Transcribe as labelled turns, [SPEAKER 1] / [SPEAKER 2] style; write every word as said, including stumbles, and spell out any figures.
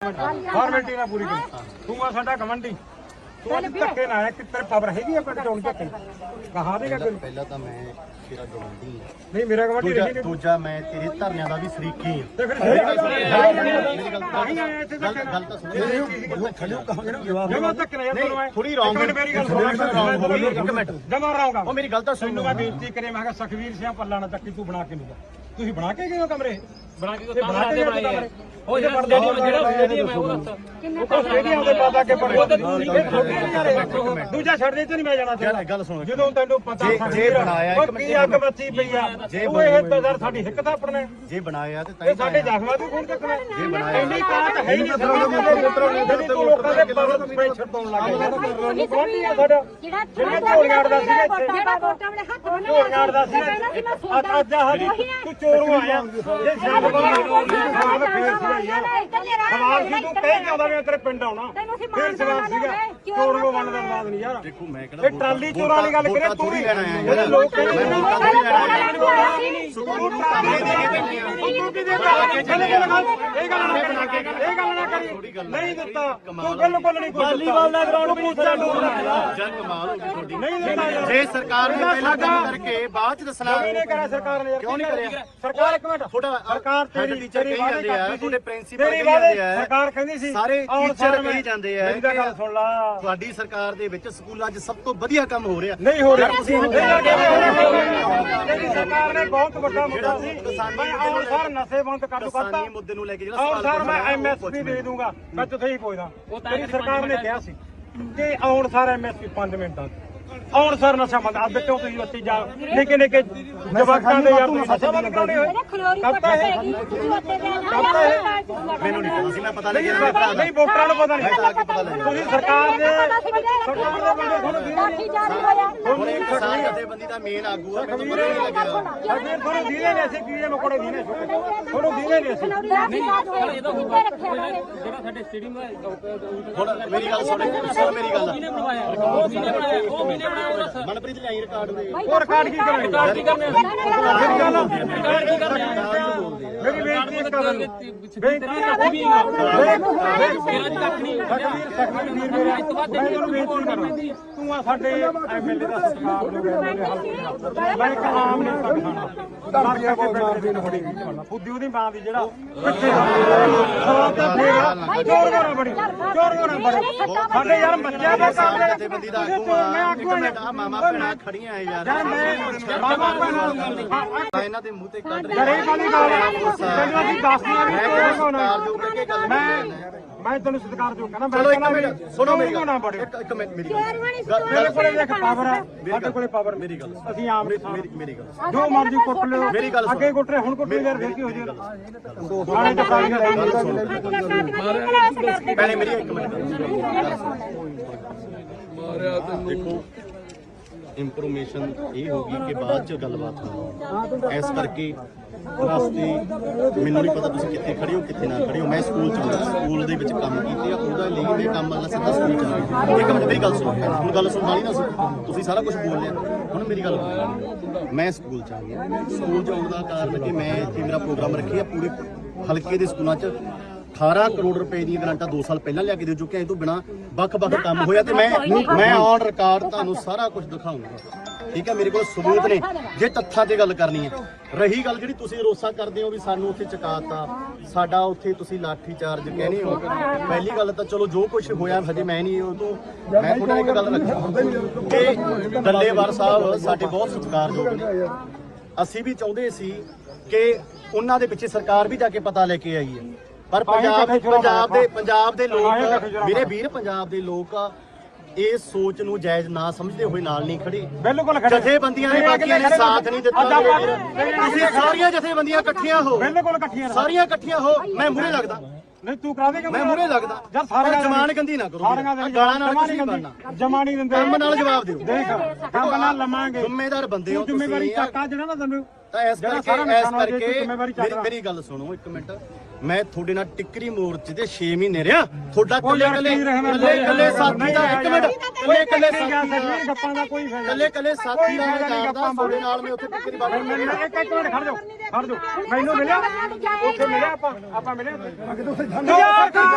[SPEAKER 1] formality ਨਾ ਪੂਰੀ ਕਰ ਤੂੰ ਆ ਸਾਡਾ ਕਮੰਡੀ ਤੂੰ ਅੱਜ ਧੱਕੇ ਨਾ ਆਇਆ ਕਿ ਤੇਰੇ ਪਾਵਰ ਹੈਗੀ ਆ ਪਿੰਡ ਚੋਂ ਧੱਕੇ ਕਹਾ ਦੇਗਾ ਕੋਈ
[SPEAKER 2] ਪਹਿਲਾਂ ਤਾਂ ਮੈਂ ਤੇਰਾ ਗਵੰਡੀ
[SPEAKER 1] ਨਹੀਂ ਮੇਰਾ ਕਮੰਡੀ
[SPEAKER 2] ਦੂਜਾ ਦੂਜਾ ਮੈਂ ਤੇਰੇ ਧਰਨਿਆਂ ਦਾ ਵੀ ਸ਼ਰੀਕੀ ਹਾਂ
[SPEAKER 1] ਤੇ ਫਿਰ
[SPEAKER 2] ਮੇਰੀ ਗੱਲ ਤਾਂ ਇੱਥੇ ਗੱਲ ਤਾਂ ਸੁਣੋ ਖੜਿਓ ਕਹਾਂਗੇ ਨਾ ਜਵਾਬ
[SPEAKER 1] ਜਮਾ ਧੱਕੇ ਨਾ ਯਾਰ ਤੈਨੂੰ ਮੈਂ
[SPEAKER 2] ਥੋੜੀ ਰੌਂਗ
[SPEAKER 1] ਮੇਰੀ ਗੱਲ ਸੁਣ
[SPEAKER 2] ਇੱਕ ਮਿੰਟ
[SPEAKER 1] ਜਮਾ ਰਹਾਂਗਾ
[SPEAKER 2] ਉਹ ਮੇਰੀ ਗੱਲ ਤਾਂ ਸੁਣ
[SPEAKER 1] ਮੈਂ ਬੇਨਤੀ ਕਰੇ ਮੈਂ ਕਿਹਾ ਸਖਵੀਰ ਸਿੰਘ ਪੱਲਾ ਨਾ ਚੱਕੀ ਤੂੰ ਬਣਾ ਕੇ ਨਹੀਂ ਤੁਸੀਂ ਬਣਾ ਕੇ ਗਏ ਹੋ ਕਮਰੇ ਬਣਾ ਕੇ ਬਣਾ ਕੇ ਬਣਾਏ ਉਹ ਜਿਹੜਾ ਸਟੇਡੀਅਮ ਜਿਹੜਾ ਸਟੇਡੀਅਮ ਹੈ ਉਹ ਉਹ ਸਟੇਡੀਅਮ ਦੇ ਪਤਾ ਕਿ ਪੜੇ ਦੂਜਾ ਛੱਡ ਦੇ ਤੇ ਨਹੀਂ ਮੈਂ ਜਾਣਾ ਚਾਹੁੰਦਾ
[SPEAKER 2] ਗੱਲ ਸੁਣੋ
[SPEAKER 1] ਜਦੋਂ ਤੈਨੂੰ ਪਤਾ
[SPEAKER 2] ਜੇ ਬਣਾਇਆ ਇੱਕ
[SPEAKER 1] ਕੀ ਅੱਗ ਬੱਚੀ ਪਈ ਆ ਉਹ ਇਹ ਤਜ਼ਰ ਸਾਡੀ ਹਿੱਕ ਤਾਂ ਪੜਨਾ
[SPEAKER 2] ਜੇ ਬਣਾਇਆ ਤੇ
[SPEAKER 1] ਇਹ ਸਾਡੇ ਜ਼ਖਮਾਂ ਤੋਂ ਕੌਣ ਚੱਕਣਾ
[SPEAKER 2] ਜੇ ਬਣਾਇਆ
[SPEAKER 1] ਇੰਨੀ ਕਾਤ ਹੈ ਹੀ ਨਹੀਂ ਜਿਹੜੀ ਤੂੰ ਲੋਕਾਂ ਦੇ ਪਰਤ ਪ੍ਰੈਸ਼ਰ ਪਾਉਣ ਲੱਗ ਗਿਆ ਕੌਣ ਨਹੀਂ ਆ ਸਾਡਾ ਜਿਹੜਾ ਝੋਲੀਆਂ ਅੜਦਾ ਸੀ ਇੱਥੇ ਝੋਲੀਆਂ ਅੜਦਾ ਸੀ ਅੱਜ ਅੱਜ ਤੂੰ ਚੋਰੋਂ ਆਇਆ ਇਹ ਸ਼ਾਮ ਸਵਾਲ ਫੇਰ ਸੀਗਾ ਯਾਰ ਸਵਾਲ ਸੀ ਤੂੰ ਕਹਿ ਜਾਂਦਾ ਵੀ ਤੇਰੇ ਪਿੰਡ ਆਉਣਾ ਫੇਰ ਸਵਾਲ ਸੀਗਾ ਚੋਰੋਂ ਵੰਡ ਦਾ ਬਾਦ ਨਹੀਂ ਯਾਰ
[SPEAKER 2] ਦੇਖੋ ਮੈਂ ਕਿਹੜਾ
[SPEAKER 1] ਇਹ ਟਰਾਲੀ ਚੋਰਾਂ ਵਾਲੀ ਗੱਲ ਕਰੇ ਤੂੰ ਨਹੀਂ ਜਿਹੜੇ ਲੋਕ ਕਹਿੰਦੇ ਇਹ ਗੱਲ ਨਾ ਇਹ ਗੱਲ ਨਾ ਕਰੀ ਨਹੀਂ ਦਿੱਤਾ ਤੂੰ ਬਿਲਕੁਲ ਨਹੀਂ ਕੋਈ ਵਾਲੀਬਾਲ ਦਾ ਗਰਾਊਂਡ ਪੁੱਛਦਾ
[SPEAKER 2] ਜੰਗ ਕਮਾਲ ਹੋ ਗਈ ਤੁਹਾਡੀ
[SPEAKER 1] ਨਹੀਂ ਦਿੱਤਾ
[SPEAKER 2] ਜੇ ਸਰਕਾਰ ਨੇ ਪਹਿਲਾਂ ਕੰਮ ਕਰਕੇ ਬਾਅਦ ਚ ਦੱਸਣਾ
[SPEAKER 1] ਨਹੀਂ ਕਰਿਆ ਸਰਕਾਰ ਨੇ ਯਾਰ
[SPEAKER 2] ਕਿਉਂ ਨਹੀਂ ਕਰਿਆ
[SPEAKER 1] ਸਰਕਾਰ ਇੱਕ ਮਿੰਟ
[SPEAKER 2] ਤੁਹਾਡਾ
[SPEAKER 1] ਸਰਕਾਰ ਤੇਰੀ
[SPEAKER 2] ਟੀਚਰ ਕਹੀ ਜਾਂਦੇ ਆ ਤੁਹਾਡੇ ਪ੍ਰਿੰਸੀਪਲ
[SPEAKER 1] ਤੇਰੀ
[SPEAKER 2] ਕਹੀ ਜਾਂਦੇ ਆ
[SPEAKER 1] ਸਰਕਾਰ ਕਹਿੰਦੀ ਸੀ
[SPEAKER 2] ਸਾਰੇ ਟੀਚਰ ਕਹੀ ਜਾਂਦੇ ਆ
[SPEAKER 1] ਮੇਰੀ ਤਾਂ ਗੱਲ ਸੁਣ ਲਾ
[SPEAKER 2] ਤੁਹਾਡੀ ਸਰਕਾਰ ਦੇ ਵਿੱਚ ਸਕੂਲਾਂ 'ਚ ਸਭ ਤੋਂ ਵਧੀਆ ਕੰਮ ਹੋ ਰਿਹਾ
[SPEAKER 1] ਨਹੀਂ ਹੋ ਰਿਹਾ ਤੁਸੀਂ ਤੇਰੀ ਸਰਕਾਰ ਨੇ ਬਹੁਤ ਵੱਡਾ ਮੁੱਦਾ ਸੀ ਮੈਂ ਆਉਣ ਸਾਰ ਨਸ਼ੇ ਬੰਦ ਕਰ ਦਿੱਤਾ
[SPEAKER 2] ਕਿਸਾਨੀ ਮੁੱਦੇ ਨੂੰ ਲੈ ਕੇ ਜਿਹੜਾ
[SPEAKER 1] ਆਉਣ
[SPEAKER 2] ਸਵਾਲ
[SPEAKER 1] ਸਾਰ ਮੈਂ ਐਮਐਸਪੀ ਦੇ ਦੂੰਗਾ ਮੈਂ ਤੁਥੇ ਹੀ ਪੁੱਛਦਾ ਤੇਰੀ ਸਰਕਾਰ ਨੇ ਕਿਹਾ ਸੀ ਕਿ ਆਉਣ ਸਾਰ ਐਮਐਸਪੀ ਪੰਜ ਮਿੰਟਾਂ ਆਉਣ ਸਰ ਨਸ਼ਾ ਬੰਦ ਅੱਜ ਕਿਉਂ ਤੁਸੀਂ ਬੱਤੀ ਜਾ ਨਿੱਕੇ ਨਿੱਕੇ ਜਵਾਕਾਂ ਦੇ ਯਾਰ ਤੁਸੀਂ ਨਸ਼ਾ ਬੰਦ ਕਰਾਉਣੇ ਹੋਏ ਕਰਤਾ ਹੈ ਕਰਤਾ ਹੈ
[SPEAKER 2] ਮੈਨੂੰ ਨਹੀਂ ਪਤਾ ਸੀ ਮੈਂ ਪਤਾ ਲੱਗਿਆ ਮੇਰੇ ਭਰਾ ਦਾ
[SPEAKER 1] ਨਹੀਂ ਵੋਟਰਾਂ ਨੂੰ ਪਤਾ ਨਹੀਂ
[SPEAKER 2] ਮੈਂ ਤਾਂ ਆ ਕੇ ਪਤਾ ਲੱਗਿਆ
[SPEAKER 1] ਤੁਸੀਂ ਸਰਕਾਰ ਦੇ ਸਰਕਾਰ ਦੇ ਬੰਦੇ ਤੁਹਾਨੂੰ ਦੀਨੇ
[SPEAKER 2] ਹੁਣ ਇੱਕ ਕਿਸਾਨ ਜਥੇਬੰਦੀ ਦਾ ਮੇਨ ਆਗੂ ਆ ਮੈਨੂੰ ਪਤਾ ਨਹੀਂ ਲੱਗਿਆ
[SPEAKER 1] ਸਰਕਾਰ ਤੁਹਾਨੂੰ ਦੀਨੇ ਨੇ ਅਸੀਂ ਕੀੜੇ ਮਕੋੜੇ ਦੀਨੇ ਤੁਹਾਨੂੰ ਦੀਨੇ ਨੇ ਅਸੀਂ
[SPEAKER 3] ਜਿਹੜਾ ਸਾਡੇ ਸਟੇਡੀਅਮ ਦਾ
[SPEAKER 2] ਹੁਣ ਮੇਰੀ ਗੱਲ ਸੁਣ ਸੁਣ ਮੇਰੀ ਗੱਲ
[SPEAKER 3] ਉਹ ਕਿਹਨੇ ਬਣਾਇਆ ਉਹ ਕਿਹਨੇ ਬਣਾਇਆ
[SPEAKER 2] ਮਨਪ੍ਰੀਤ ਲਈ ਰਿਕਾਰਡ ਦੇ
[SPEAKER 1] ਹੋਰ ਰਿਕਾਰਡ ਕੀ ਕਰਾਂਗੇ
[SPEAKER 3] ਰਿਕਾਰਡ ਕੀ ਕਰਨੇ
[SPEAKER 1] ਮੇਰੀ ਗੱਲ
[SPEAKER 3] ਰਿਕਾਰਡ ਕੀ ਕਰਨੇ
[SPEAKER 1] ਮੇਰੀ ਬੇਨਤੀ ਇੱਕ ਕਰਨ ਬੇਨਤੀ
[SPEAKER 3] ਵੀ ਮੇਰਾ ਕੱਖ ਨਹੀਂ
[SPEAKER 1] ਸਖਵੀਰ ਸਖਵੀਰ ਵੀਰ ਮੇਰਾ ਮੈਂ ਤੁਹਾਨੂੰ ਬੇਨਤੀ ਕਰਾਂ ਤੂੰ ਆ ਸਾਡੇ ਐਮਐਲਏ ਦਾ ਸਤਿਕਾਰ ਨੂੰ ਮੇਰੇ ਹੱਥ ਮੈਂ ਇੱਕ ਆਮ ਨਹੀਂ ਸਕਦਾ ਦਰਜਾ ਕੋ ਮਾਰਦੀ ਨੂੰ ਫੜੀ ਫੁੱਦੀ ਉਹਦੀ ਮਾਂ ਦੀ ਜਿਹੜਾ ਪਿੱਛੇ ਸਵਾਲ ਤਾਂ ਫੇਰ ਚੋਰ ਗੋਣਾ ਬੜੀ ਚੋਰ ਗੋਣਾ ਬੜੀ ਸਾਡੇ ਯਾਰ ਬੱਚਿਆਂ ਦੇ ਕੰਮ ਦੇ
[SPEAKER 2] ਜਥੇਬੰਦੀ ਦਾ ਆਗੂ ਆ ਇੱਕ ਮਿੰਟ ਆ ਮਾਮਾ ਭੈਣਾਂ ਖੜੀਆਂ ਆ ਯਾਰ
[SPEAKER 1] ਯਾਰ ਮੈਂ ਮਾਮਾ ਭੈਣਾਂ
[SPEAKER 2] ਇਹਨਾਂ ਦੇ ਮੂੰਹ ਤੇ ਕੱਢ
[SPEAKER 1] ਯਾਰ ਇਹ ਕਾਹਦੀ ਗੱਲ ਹੈ ਤੈਨੂੰ ਅਸੀਂ ਦੱਸਦੇ ਆ ਵੀ ਚੋਰ ਗੋਣਾ
[SPEAKER 2] ਜੋ ਕਰਕੇ ਗੱਲ
[SPEAKER 1] ਮੈਂ ਮੈਂ ਤੈਨੂੰ ਸਤਿਕਾਰ ਜੋ ਕਹਿੰਦਾ
[SPEAKER 2] ਚਲੋ
[SPEAKER 1] ਮੈਂ
[SPEAKER 2] ਇੱਕ ਮਿੰਟ ਸੁਣੋ ਮੇਰੀ ਗੱਲ
[SPEAKER 1] ਬੜੇ
[SPEAKER 2] ਇੱਕ ਇੱਕ ਮਿੰਟ ਮੇਰੀ
[SPEAKER 1] ਮੇਰੇ ਕੋਲੇ ਦੇਖ ਪਾਵਰ ਹੈ ਸਾਡੇ ਕੋਲੇ ਪਾਵਰ
[SPEAKER 2] ਮੇਰੀ ਗੱਲ
[SPEAKER 1] ਅਸੀਂ ਆਮ
[SPEAKER 2] ਮੇਰੀ ਮੇਰੀ ਗੱਲ
[SPEAKER 1] ਜੋ ਮਰਜ਼ੀ ਕੁੱਟ ਲਿਓ
[SPEAKER 2] ਮੇਰੀ ਗੱਲ
[SPEAKER 1] ਅੱਗੇ ਕੁੱਟ ਰਹੇ ਹੁਣ ਕੁੱਟ ਯਾਰ ਫਿਰ ਕੀ ਹੋ ਜਾਏਗਾ ਥਾਣੇ ਚ ਕਾਈ ਲੈ
[SPEAKER 2] ਪਹਿਲੇ ਮੇਰੀ ਇੱਕ ਮਿੰਟ ਦੇਖੋ ਇਨਫੋਰਮੇਸ਼ਨ ਇਹ ਹੋਗੀ ਕਿ ਬਾਅਦ ਚ ਗੱਲਬਾਤ ਹੋਣੀ ਇਸ ਕਰਕੇ ਰਸਤੇ ਮੈਨੂੰ ਨਹੀਂ ਪਤਾ ਤੁਸੀਂ ਕਿੱਥੇ ਖੜੇ ਹੋ ਕਿੱਥੇ ਨਾ ਖੜੇ ਹੋ ਮੈਂ ਸਕੂਲ ਚ ਹਾਂ ਸਕੂਲ ਦੇ ਵਿੱਚ ਕੰਮ ਕੀਤੇ ਆ ਉਹਦਾ ਲਈ ਮੈਂ ਕੰਮ ਵਾਲਾ ਸਿੱਧਾ ਸਕੂਲ ਚ ਆ ਇੱਕ ਮਿੰਟ ਮੇਰੀ ਗੱਲ ਸੁਣੋ ਹੁਣ ਗੱਲ ਸੁਣ ਵਾਲੀ ਨਾ ਤੁਸੀਂ ਸਾਰਾ ਕੁਝ ਬੋਲ ਲਿਆ ਹੁਣ ਮੇਰੀ ਗੱਲ ਮੈਂ ਸਕੂਲ ਚ ਆ ਗਿਆ ਸਕੂਲ ਚ ਆਉਣ ਦਾ ਕਾਰਨ ਕਿ ਮੈਂ ਇੱਥੇ ਮੇਰਾ ਪ੍ਰੋਗਰਾਮ ਰੱਖਿਆ ਪੂਰੇ ਹਲਕੇ ਦੇ ਸਕੂਲਾਂ ਚ ਅਠਾਰਾਂ ਕਰੋੜ ਰੁਪਏ ਦੀਆਂ ਗ੍ਰਾਂਟਾਂ ਦੋ ਸਾਲ ਪਹਿਲਾਂ ਲਿਆ ਕੇ ਦੇ ਚੁੱਕੇ ਆ ਇਹ ਤੋਂ ਬਿਨਾ ਵੱਖ-ਵੱਖ ਕੰਮ ਹੋਇਆ ਤੇ ਮੈਂ ਮੈਂ ਔਨ ਰਿਕਾਰਡ ਤੁਹਾਨੂੰ ਸਾਰਾ ਕੁਝ ਦਿਖਾਉਂਗਾ ਠੀਕ ਹੈ ਮੇਰੇ ਕੋਲ ਸਬੂਤ ਨੇ ਜੇ ਤੱਥਾਂ ਤੇ ਗੱਲ ਕਰਨੀ ਹੈ ਰਹੀ ਗੱਲ ਜਿਹੜੀ ਤੁਸੀਂ ਰੋਸਾ ਕਰਦੇ ਹੋ ਵੀ ਸਾਨੂੰ ਉੱਥੇ ਚਕਾਤਾ ਸਾਡਾ ਉੱਥੇ ਤੁਸੀਂ ਲਾਠੀ ਚਾਰਜ ਕਹਿੰਦੇ ਹੋ ਪਹਿਲੀ ਗੱਲ ਤਾਂ ਚਲੋ ਜੋ ਕੁਝ ਹੋਇਆ ਹਜੇ ਮੈਂ ਨਹੀਂ ਉਹ ਤੋਂ ਮੈਂ ਤੁਹਾਡਾ ਇੱਕ ਗੱਲ ਰੱਖਾਂ ਕਿ ਡੱਲੇਵਾਲ ਸਾਹਿਬ ਸਾਡੇ ਬਹੁਤ ਸਤਿਕਾਰਯੋਗ ਨੇ ਅਸੀਂ ਵੀ ਚਾਹੁੰਦੇ ਸੀ ਕਿ ਉਹਨਾਂ ਦੇ ਪਿੱਛੇ ਸਰਕਾਰ ਵੀ ਜਾ ਕੇ ਪਤਾ ਲੈ ਕੇ ਆਈ ਹੈ ਪਰ ਪੰਜਾਬ ਪੰਜਾਬ ਦੇ ਪੰਜਾਬ ਦੇ ਲੋਕ ਮੇਰੇ ਵੀਰ ਪੰਜਾਬ ਦੇ ਲੋਕ ਇਸ ਸੋਚ ਨੂੰ ਜਾਇਜ਼ ਨਾ ਸਮਝਦੇ ਹੋਏ ਨਾਲ ਨਹੀਂ ਖੜੇ
[SPEAKER 1] ਬਿਲਕੁਲ ਖੜੇ
[SPEAKER 2] ਜਥੇਬੰਦੀਆਂ ਨੇ ਬਾਕੀਆਂ ਨੇ ਸਾਥ ਨਹੀਂ ਦਿੱਤਾ ਤੁਸੀਂ ਸਾਰੀਆਂ ਜਥੇਬੰਦੀਆਂ ਇਕੱਠੀਆਂ ਹੋ
[SPEAKER 1] ਬਿਲਕੁਲ ਇਕੱਠੀਆਂ
[SPEAKER 2] ਸਾਰੀਆਂ ਇਕੱਠੀਆਂ ਹੋ ਮੈਂ ਮੂਹਰੇ ਲੱਗਦਾ
[SPEAKER 1] ਨਹੀਂ ਤੂੰ ਕਰਾ ਦੇਗਾ
[SPEAKER 2] ਮੈਂ ਮੂਹਰੇ ਲੱਗਦਾ
[SPEAKER 1] ਯਾਰ ਸਾਰੀਆਂ
[SPEAKER 2] ਜਮਾਨ ਗੰਦੀ ਨਾ ਕਰੋ ਗਾਲਾਂ ਨਾਲ ਕੁਝ ਨਹੀਂ ਬਣਨਾ
[SPEAKER 1] ਜਮਾ ਨਹੀਂ ਦਿੰਦੇ
[SPEAKER 2] ਕੰਮ ਨਾਲ ਜਵਾਬ ਦਿਓ
[SPEAKER 1] ਦੇਖ ਕੰਮ ਨਾਲ ਲਵਾਂਗੇ
[SPEAKER 2] ਜ਼ਿੰਮੇਦਾਰ ਬੰਦੇ ਹੋ
[SPEAKER 1] ਜ਼ਿੰਮੇਵਾਰੀ ਚੱਕਾ ਜਿਹੜਾ ਨਾ ਤੈਨੂੰ
[SPEAKER 2] ਤਾਂ ਇਸ ਕਰਕੇ ਇਸ ਕਰਕੇ ਮੇਰੀ ਗੱਲ ਸੁਣੋ ਇੱਕ ਮਿੰਟ ਮੈਂ ਤੁਹਾਡੇ ਨਾਲ ਟਿੱਕਰੀ ਮੋਰਚੇ ਦੇ ਛੇ ਮਹੀਨੇ ਰਿਹਾ ਤੁਹਾਡਾ ਕੱਲੇ ਕੱਲੇ ਕੱਲੇ ਕੱਲੇ ਸਾਥੀ ਦਾ ਇੱਕ ਮਿੰਟ ਕੱਲੇ ਕੱਲੇ ਸਾਥੀ
[SPEAKER 1] ਗੱਪਾਂ ਦਾ ਕੋਈ ਫਾਇਦਾ
[SPEAKER 2] ਕੱਲੇ ਕੱਲੇ ਸਾਥੀ ਦਾ ਕਰਦਾ ਤੁਹਾਡੇ ਨਾਲ ਮੈਂ ਉੱਥੇ ਟਿੱਕਰੀ ਬਾਤ
[SPEAKER 1] ਇੱਕ ਇੱਕ ਮਿੰਟ ਖੜ ਜਾਓ ਖੜ ਜਾਓ ਮੈਨੂੰ ਮਿਲਿਆ ਉੱਥੇ ਮਿਲਿਆ ਆਪਾਂ ਆਪਾਂ ਮਿਲੇ